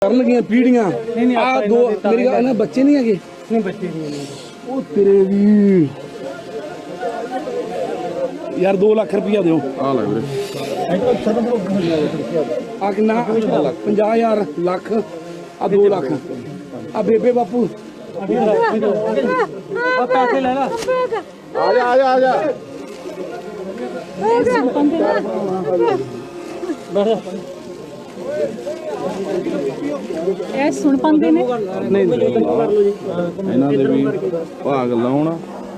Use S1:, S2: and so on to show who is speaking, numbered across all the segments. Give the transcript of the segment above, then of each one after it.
S1: ਕਰਨਗੀਆਂ ਪੀੜੀਆਂ ਆ ਦੋ ਮੇਰੀ ਗੱਲ ਇਹਨਾਂ ਬੱਚੇ ਨਹੀਂ ਹੈਗੇ
S2: ਨਹੀਂ ਬੱਚੇ ਨਹੀਂ
S1: ਉਹ ਤੇਰੇ ਵੀ ਯਾਰ 2 ਲੱਖ ਰੁਪਇਆ ਦਿਓ
S3: ਆ ਲੈ ਵੀਰੇ
S1: ਆ ਕਿੰਨਾ 50,000 ਲੱਖ ਆ 2 ਲੱਖ ਆ ਬੇਬੇ ਬਾਪੂ
S2: ਆ ਪੈਸੇ ਲੈ ਲਾ
S3: ਆ ਜਾ ਆ ਜਾ ਆ ਜਾ
S4: ਇਹ ਸੁਣ ਪਾਉਂਦੇ ਨੇ
S1: ਨਹੀਂ
S3: ਇਹਨਾਂ ਦੇ ਵੀ ਭਾਗ ਲਾਉਣ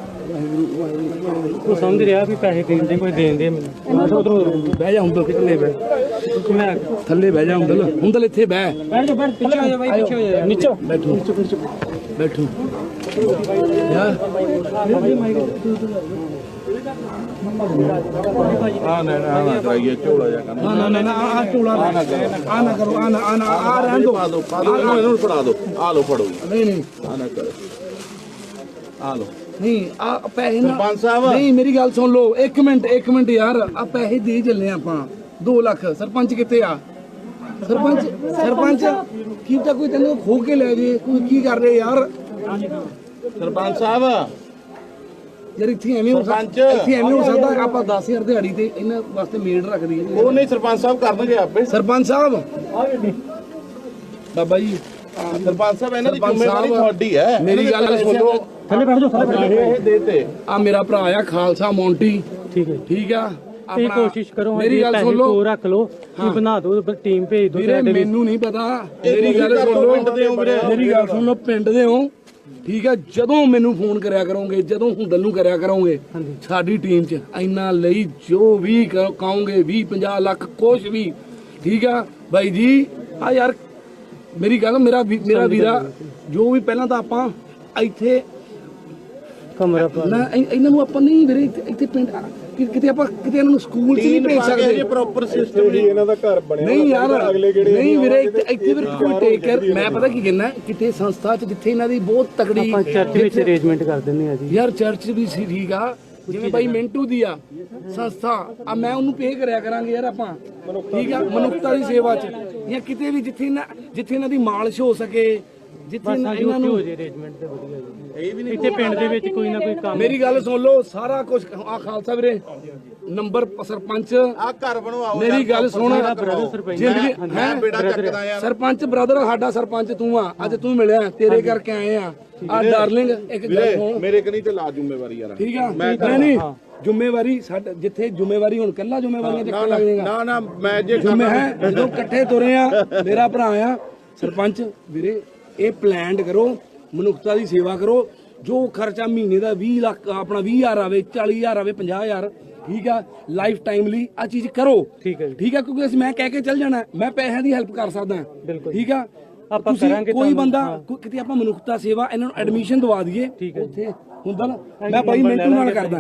S2: ਤੂੰ ਸਮਝ ਰਿਹਾ ਵੀ ਪੈਸੇ ਦੇਂਦੇ ਕੋਈ ਦੇਂਦੇ ਮੈਨੂੰ
S1: ਉਧਰੋਂ ਬਹਿ ਜਾ ਹੁੰਦਲ ਕਿੱਲੇ ਬਹਿ
S2: ਮੈਂ
S1: ਥੱਲੇ ਬਹਿ ਜਾ ਹੁੰਦਲ ਇੱਥੇ ਬਹਿ
S2: ਬੈਠ ਜਾ ਬੈਠ ਪਿੱਛੇ ਹੋ ਜਾ ਬਾਈ ਪਿੱਛੇ ਹੋ ਜਾ ਨੀਚੇ
S1: ਬੈਠੋ ਬੈਠੋ ਯਾਰ
S3: ਆ ਨਾ ਨਾ ਕਰਾਈਏ ਝੋਲਾ ਜਾ ਕਰਨਾ
S1: ਨਾ ਨਾ ਨਾ ਆ ਝੋਲਾ ਆ ਨਾ ਕਰੋ ਆ ਰਹਿਣ ਦੋ
S3: ਪਾ ਦੋ ਇਹਨੂੰ ਫੜਾ ਦੋ ਆ ਲੋ ਫੜੋ
S1: ਨਹੀਂ ਨਹੀਂ
S3: ਆ ਨਾ ਕਰ ਆ ਲੋ
S1: ਨਹੀਂ ਆ ਪੈਸੇ ਨਾ
S3: ਸਰਪੰਚ ਸਾਹਿਬ
S1: ਨਹੀਂ ਮੇਰੀ ਗੱਲ ਸੁਣ ਲਓ ਇੱਕ ਮਿੰਟ ਯਾਰ ਆ ਪੈਸੇ ਦੇ ਚੱਲੇ ਆਪਾਂ 2 ਲੱਖ ਸਰਪੰਚ ਕਿੱਥੇ ਆ ਸਰਪੰਚ ਕੀ ਤਾਂ ਕੋਈ ਤੈਨੂੰ ਖੋ ਕੇ ਲੈ ਜੇ ਕੋਈ ਕੀ ਕਰ ਰਹੇ ਯਾਰ
S3: ਸਰਪੰਚ ਸਾਹਿਬ
S1: ਯਾਰ ਇੱਥੇ ਐਵੇਂ ਹੋ ਸਕਦਾ ਆਪਾਂ 10000 ਦਿਹਾੜੀ ਤੇ ਇਹਨਾਂ ਵਾਸਤੇ ਮੇਡ ਰੱਖ ਦਈਏ
S3: ਉਹ ਨਹੀਂ ਸਰਪੰਚ ਸਾਹਿਬ ਕਰਨਗੇ ਆਪੇ
S1: ਸਰਪੰਚ ਸਾਹਿਬ ਬਾਬਾ ਜੀ
S3: ਸਰਪੰਚ ਸਾਹਿਬ ਇਹਨਾਂ ਦੀ ਜ਼ਿੰਮੇਵਾਰੀ ਤੁਹਾਡੀ ਹੈ
S1: ਮੇਰੀ ਗੱਲ ਸੁਣੋ
S2: ਥੱਲੇ ਬੈਠ ਜਾ
S3: ਇਹ ਦੇਤੇ
S1: ਆ ਮੇਰਾ ਭਰਾ ਆ ਖਾਲਸਾ ਮੌਂਟੀ
S2: ਠੀਕ ਹੈ
S1: ਆ
S2: ਤੇ ਕੋਸ਼ਿਸ਼ ਕਰੋ
S1: ਮੇਰੀ ਗੱਲ ਸੁਣ ਲਓ
S2: ਕੋ ਰੱਖ ਲਓ ਕੀ ਬਣਾ ਦਿਓ ਟੀਮ ਭੇਜ ਦਿਓ
S1: ਵੀਰੇ ਮੈਨੂੰ ਨਹੀਂ ਪਤਾ ਮੇਰੀ ਗੱਲ ਸੁਣ ਲਓ ਮੇਰੀ ਗੱਲ ਸੁਣ ਲਓ ਪਿੰਡ ਦੇ ਹੋ ਠੀਕ ਹੈ ਜਦੋਂ ਮੈਨੂੰ ਫੋਨ ਕਰਿਆ ਕਰੋਗੇ ਜਦੋਂ ਹੁੰਦਲ ਨੂੰ ਕਰਿਆ ਕਰੋਗੇ ਸਾਡੀ ਟੀਮ 'ਚ ਇੰਨਾ ਲਈ ਜੋ ਵੀ ਕਹੋਗੇ 20-50 ਲੱਖ ਕੁਛ ਵੀ ਠੀਕ ਆ ਬਾਈ ਜੀ ਆ ਯਾਰ ਮੇਰੀ ਗੱਲ ਮੇਰਾ ਵੀਰਾ ਜੋ ਵੀ ਪਹਿਲਾਂ ਤਾਂ ਆਪਾਂ ਇੱਥੇ
S2: ਕਮਰਾ
S1: ਨਾ ਇਹਨਾਂ ਨੂੰ ਆਪਾਂ ਨਹੀਂ ਵੀਰੇ ਇੱਥੇ ਪਿੰਡ ਕਿਤੇ ਆਪਾਂ ਕਿਤੇ ਇਹਨਾਂ ਨੂੰ ਸਕੂਲ 'ਚ ਨਹੀਂ ਭੇਜ ਸਕਦੇ
S3: ਪ੍ਰੋਪਰ ਸਿਸਟਮ ਜੀ ਇਹਨਾਂ ਦਾ ਘਰ ਬਣਿਆ
S1: ਨਹੀਂ ਯਾਰ ਨਹੀਂ ਵੀਰੇ ਇੱਥੇ ਵੀਰੇ ਕੋਈ ਟੇਕ ਕੇਅਰ ਮੈਂ ਪਤਾ ਕੀ ਕਹਿੰਦਾ ਕਿਤੇ ਸੰਸਥਾ 'ਚ ਜਿੱਥੇ ਇਹਨਾਂ ਦੀ ਬਹੁਤ ਤਕੜੀ
S2: ਆਪਾਂ ਚਰਚ ਵਿੱਚ ਅਰੇਂਜਮੈਂਟ ਕਰ ਦਿੰਦੇ ਆ ਜੀ
S1: ਯਾਰ ਚਰਚ ਵੀ ਸੀ ਠੀਕ ਆ ਜਿਵੇਂ ਬਾਈ ਮਿੰਟੂ ਦੀ ਆ ਸੰਸਥਾ ਆ ਮੈਂ ਉਹਨੂੰ ਪੇ ਕਰਿਆ ਕਰਾਂਗੇ ਯਾਰ ਆਪਾਂ ਠੀਕ ਆ ਮਨੁੱਖਤਾ ਦੀ ਸੇਵਾ 'ਚ ਜਾਂ ਕਿਤੇ ਵੀ ਜਿੱਥੇ ਇਹਨਾਂ ਦੀ ਮਾਲਿਸ਼ ਹੋ ਸਕੇ ਜਿੱਥੇ ਇਹਨਾਂ ਨੂੰ
S2: ਅਰੇਂਜਮੈਂਟ ਤੇ ਵਧੀਆ ਜੀ ਇਹ ਵੀ ਨਹੀਂ ਇੱਥੇ ਪਿੰਡ ਦੇ ਵਿੱਚ ਕੋਈ ਨਾ ਕੋਈ ਕੰਮ
S1: ਮੇਰੀ ਗੱਲ ਸੁਣ ਲਓ ਸਾਰਾ ਕੁਝ ਆ ਖਾਲਸਾ ਵੀਰੇ ਨੰਬਰ ਸਰਪੰਚ
S3: ਆ ਘਰ ਬਣਵਾਓ
S1: ਮੇਰੀ ਗੱਲ ਸੁਣ ਜ਼ਿੰਦਗੀ
S3: ਮੈਂ ਬੇੜਾ ਚੱਕਦਾ ਯਾਰ
S1: ਸਰਪੰਚ ਬ੍ਰਦਰ ਸਾਡਾ ਸਰਪੰਚ ਤੂੰ ਆ ਅੱਜ ਤੂੰ ਮਿਲਿਆ ਤੇਰੇ ਕਰਕੇ ਆਏ ਆ ਡਾਰਲਿੰਗ ਇੱਕ ਗੱਲ ਸੁਣ
S3: ਮੇਰੇ ਕਨੀ ਤੇ ਲਾ ਜ਼ਿੰਮੇਵਾਰੀ ਯਾਰ
S1: ਠੀਕ ਆ ਨਹੀਂ ਜ਼ਿੰਮੇਵਾਰੀ ਸਾਡਾ ਜਿੱਥੇ ਜ਼ਿੰਮੇਵਾਰੀ ਹੁਣ ਕੱਲਾ ਜ਼ਿੰਮੇਵਾਰੀਆਂ ਚੱਕਣ ਲੱਗ ਜਾਏਗਾ
S3: ਨਾ ਮੈਂ ਜੇ
S1: ਜ਼ਿੰਮੇ ਹੈ ਜਦੋਂ ਇਕੱਠੇ ਤੁਰੇ ਆ ਮੇਰਾ ਭਰਾ ਆ ਸਰਪੰਚ ਵੀਰੇ ਇਹ ਪਲਾਨਡ ਕਰੋ ਮਨੁੱਖਤਾ ਦੀ ਸੇਵਾ ਕਰੋ ਜੋ ਖਰਚਾ ਮਹੀਨੇ ਦਾ 20 ਲੱਖ ਆਪਣਾ 20,000 ਆਵੇ 40,000 ਆਵੇ 50,000 ਠੀਕ ਆ ਲਾਈਫ ਟਾਈਮ ਲਈ ਆ ਚੀਜ਼ ਕਰੋ ਠੀਕ ਆ ਕਿਉਂਕਿ ਅਸੀਂ ਮੈਂ ਕਹਿ ਕੇ ਚੱਲ ਜਾਣਾ ਮੈਂ ਪੈਸਿਆਂ ਦੀ ਹੈਲਪ ਕਰ ਸਕਦਾ ਠੀਕ ਆ
S2: ਆਪਾਂ ਕਰਾਂਗੇ
S1: ਕੋਈ ਬੰਦਾ ਕਿਤੇ ਆਪਾਂ ਮਨੁੱਖਤਾ ਸੇਵਾ ਇਹਨਾਂ ਨੂੰ ਐਡਮਿਸ਼ਨ ਦਵਾ ਦਈਏ ਉੱਥੇ ਹੁੰਦਾ ਨਾ ਮੈਂ ਬਾਈ ਮਿੰਟੂ ਨਾਲ ਕਰਦਾ